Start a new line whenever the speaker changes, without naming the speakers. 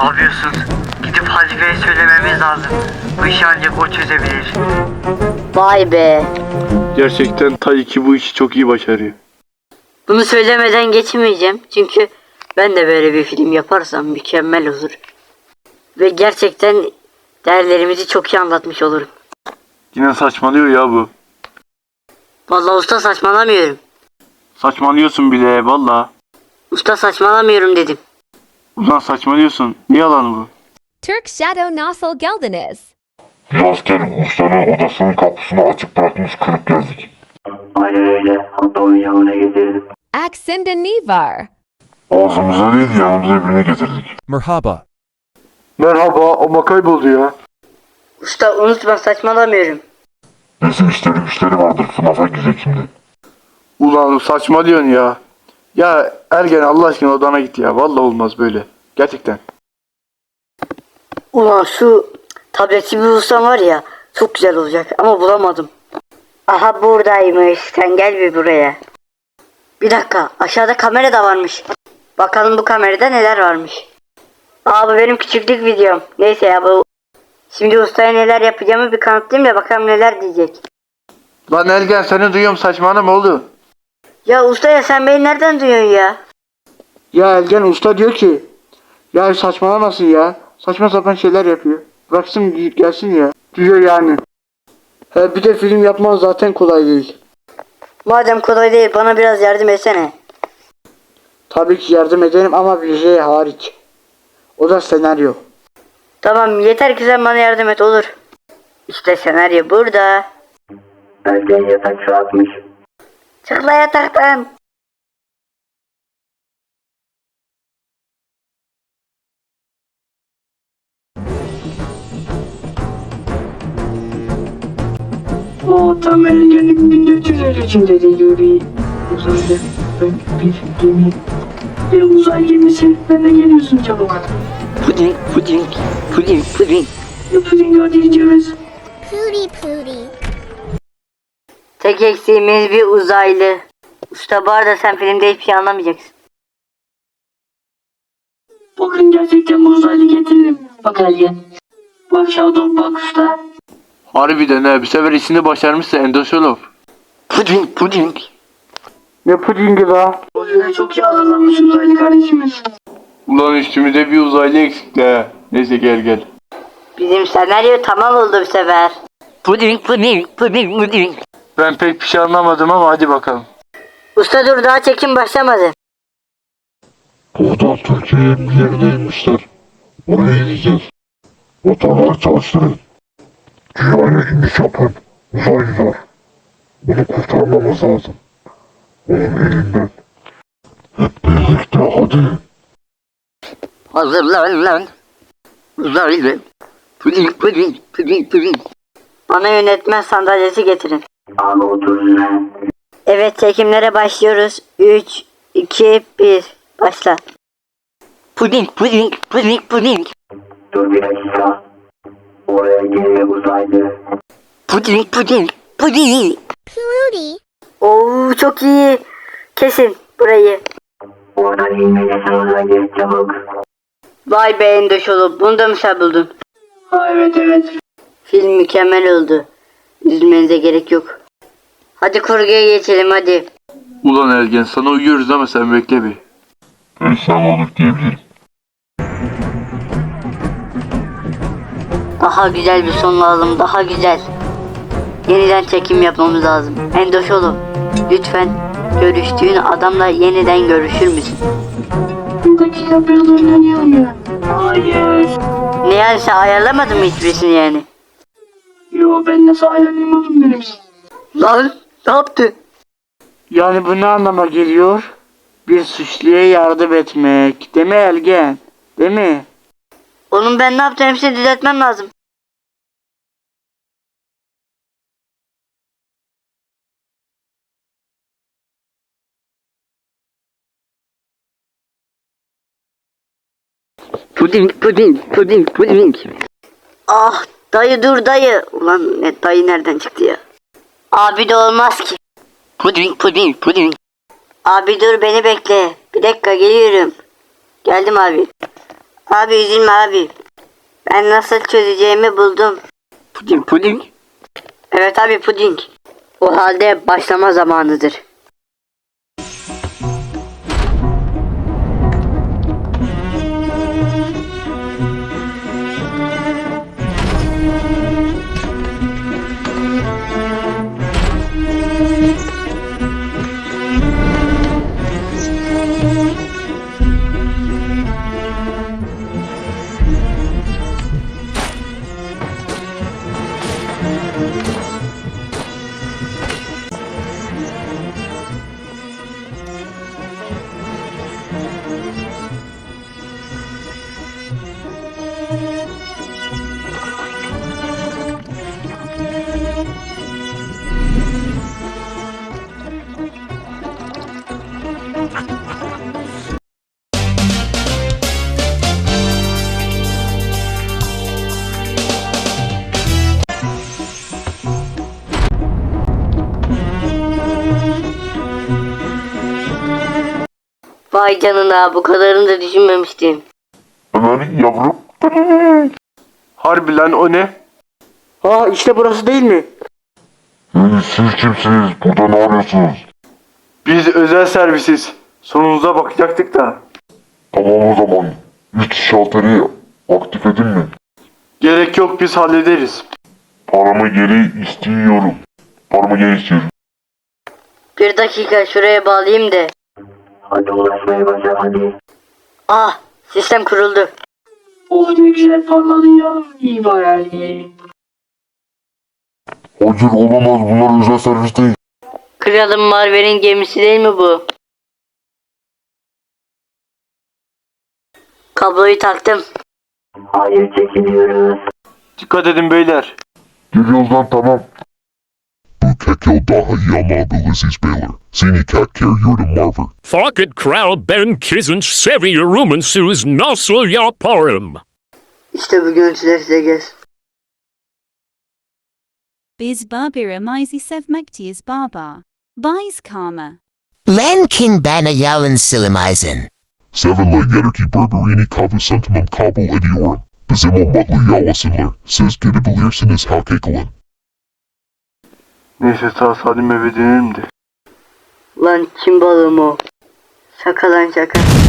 yapıyorsun? Gidip halifeye söylememiz lazım. Bu işi ancak o çözebilir.
Vay be.
Gerçekten Tayyiki bu işi çok iyi başarıyor.
Bunu söylemeden geçemeyeceğim. Çünkü ben de böyle bir film yaparsam mükemmel olur. Ve gerçekten değerlerimizi çok iyi anlatmış olurum.
Yine saçmalıyor ya bu.
Vallahi usta saçmalamıyorum.
Saçmalıyorsun bile valla.
Usta saçmalamıyorum dedim.
Ulan saçmalıyorsun. Ne yalanı bu?
Turk Shadow Nasıl geldiniz?
Bir askerim ustanın odasının kapısını açık bırakmış kırıp geldik.
Aynen öyle. Hatta oyuncağına getirdim.
Aksinde ne var?
Ağzımıza değil yanımıza birini getirdik.
Merhaba.
Merhaba ama kayboldu ya.
Usta unutma saçmalamıyorum.
Bizim işleri vardır FNAF'a gidecek şimdi.
Ulan saçmalıyorsun ya. Ya Ergen Allah aşkına odana git ya. Vallahi olmaz böyle. Gerçekten.
Ulan şu tabletçi bir ustam var ya çok güzel olacak ama bulamadım. Aha buradaymış. Sen gel bir buraya. Bir dakika aşağıda kamera da varmış. Bakalım bu kamerada neler varmış. Aa bu benim küçüklük videom. Neyse ya bu. Şimdi ustaya neler yapacağımı bir kanıtlayayım da bakalım neler diyecek.
Lan Ergen seni duyuyorum saçmalama oğlum.
Ya usta ya sen beni nereden duyuyorsun ya?
Ya Ergen usta diyor ki. Ya saçmalamasın ya. Saçma sapan şeyler yapıyor. Bıraksın gelsin ya. Diyor yani. Bir de film yapman zaten kolay değil.
Madem kolay değil bana biraz yardım etsene.
Tabii ki yardım ederim ama bir şey hariç. O da senaryo.
Tamam yeter ki sen bana yardım et olur. İşte senaryo burada.
Erken yatak atmış.
Çık la yataktan.
O tam Ergen'in 1453'ünde de yürüyor. Uzaylı bir gemi. Bir uzay gemisi. Ben de geliyorsun çabuk.
Puding, puding, puding, puding.
Puding hadi gidiyoruz.
Pooty pooty.
Tek eksiğimiz bir uzaylı. Usta bu arada sen filmde hiçbir şey anlamayacaksın.
Bugün gerçekten bu uzaylı getirdim. Bak Ergen. Bak Shadow bak usta.
Harbiden ha bir sefer işini başarmışsa Endosolov.
Puding, puding.
Ne pudingi la?
O yüzden çok iyi hazırlanmış uzaylı kardeşimiz.
Ulan üstümüzde bir uzaylı eksikti ha. Neyse gel.
Bizim senaryo tamam oldu bu sefer. Puding, puding, puding, puding.
Ben pek bir şey anlamadım ama hadi bakalım.
Usta dur daha çekim başlamadı.
Burada Türkiye'ye bir yerine inmişler. Oraya gideceğiz. Motorları çalıştırın. Dünyaya iniş yapın. Uzaylılar. Bunu kurtarmamız lazım. Onun elinden. Hep birlikte hadi.
Hazırlan lan. Uzaylı. Puding, puding, puding, puding. Bana yönetmen sandalyesi getirin.
Abi otur lan.
Evet çekimlere başlıyoruz. 3, 2, 1. Başla. Puding, puding, puding, puding.
Dur bir dakika. Oraya geliyor uzaylı.
Puding, puding, puding.
Pooty.
Oo çok iyi. Kesin burayı.
Oradan inmeyeceksin uzaylı çabuk.
Vay be Endoşolu. Bunu da mı sen buldun?
Ha evet.
Film mükemmel oldu. Üzülmenize gerek yok. Hadi kurguya geçelim hadi.
Ulan Ergen sana uyuyoruz ama sen bekle bir.
Ben sağlık diyebilirim.
Daha güzel bir son lazım. Daha güzel. Yeniden çekim yapmamız lazım. Endoşolu. Lütfen görüştüğün adamla yeniden görüşür müsün?
Bir dakika biraz oynayalım ya. Hayır.
Ne yani sen ayarlamadın mı hiçbirisini yani?
Yo ben nasıl ayarlayamadım benim.
Lan ne yaptı?
Yani bu ne anlama geliyor? Bir suçluya yardım etmek. Değil mi Ergen? Değil mi?
Oğlum ben ne yaptım hepsini düzeltmem lazım. Puding, puding, puding, puding. Ah dayı dur dayı. Ulan ne dayı nereden çıktı ya? Abi de olmaz ki. Puding, puding, puding. Abi dur beni bekle. Bir dakika geliyorum. Geldim abi. Abi üzülme abi. Ben nasıl çözeceğimi buldum.
Puding.
Evet abi puding. O halde başlama zamanıdır. Vay canına, bu kadarını da düşünmemiştim.
Ömer yavrum.
Harbi lan, o ne? Aa, işte burası değil mi?
Siz kimsiniz? Burada ne arıyorsunuz?
Biz özel servisiz. Sonunuza bakacaktık da.
Tamam o zaman. 3 şalteri aktif edin mi?
Gerek yok, biz hallederiz.
Paramı geri istiyorum. Paramı geri istiyorum.
Bir dakika, şuraya bağlayayım da.
Hadi ulaşmaya başla hadi.
Ah, sistem kuruldu.
O ne güzel parladı ya. İyi hayali.
Hayır olamaz, bunlar özel servis değil.
Kralım Marvel'in gemisi değil mi bu? Kabloyu taktım.
Hayır, çekiliyoruz.
Dikkat edin beyler.
Geliyoruz lan, tamam.
Bukekyo Dahayama Belizzi's Baylor. Sini Cat Care Yurda Marver.
Farkit Kral Ben Kizin Seviye Rumensus Nasıl Yaparım.
İşte bu görüntüler size gelsin.
Biz Barbara Mizi Sevmektiyiz Baba. Biz Karma.
Lenkin bana yalan silimizen.
Seven Leg Enerki Berberini Kavu Sentimum Kabul Ediorum. Bizimo Mutlu Yawasinler. Siz gidebilirsiniz Hakekalan.
Neyse, sağ salim eve dönelim de.
Lan kim balığım o? Şaka lan şaka.